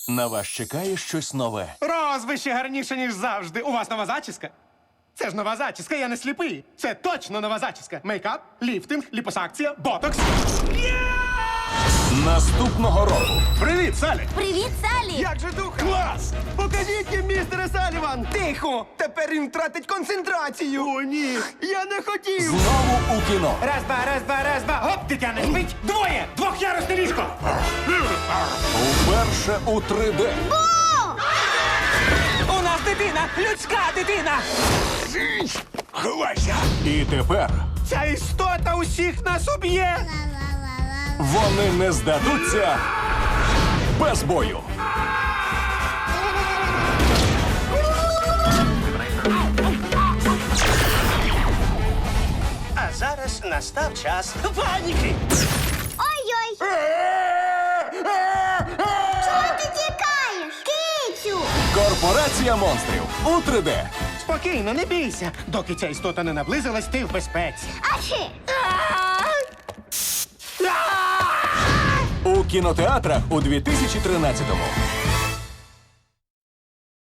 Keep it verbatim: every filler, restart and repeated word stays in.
На вас чекає щось нове. Розвище гарніше, ніж завжди. У вас нова зачіска? Це ж нова зачіска, я не сліпий. Це точно нова зачіска. Мейкап, ліфтинг, ліпосакція, ботокс. Наступного року Привіт, Салі! Привіт, Салі! Як же дух? Клас! Покажіть їм, містере Саліван! Тихо! Тепер він втратить концентрацію! О, ні! Я не хотів! знову у кіно. Раз, два, раз, два, раз, два. Гоп, дитя не спить. Двоє! Двох'ярусне ліжко! Уперше у три де. У нас дитина! Людська дитина! Ховайся! І тепер Ця істота усіх нас уб'є! вони не здадуться без бою. А зараз настав час паніки. Ой-ой! Чого ти тікаєш? Кицю! Корпорація монстрів у три де. Спокійно, не бійся. Доки ця істота не наблизилась, ти в безпеці. Achê! У кінотеатрах у дві тисячі тринадцятому.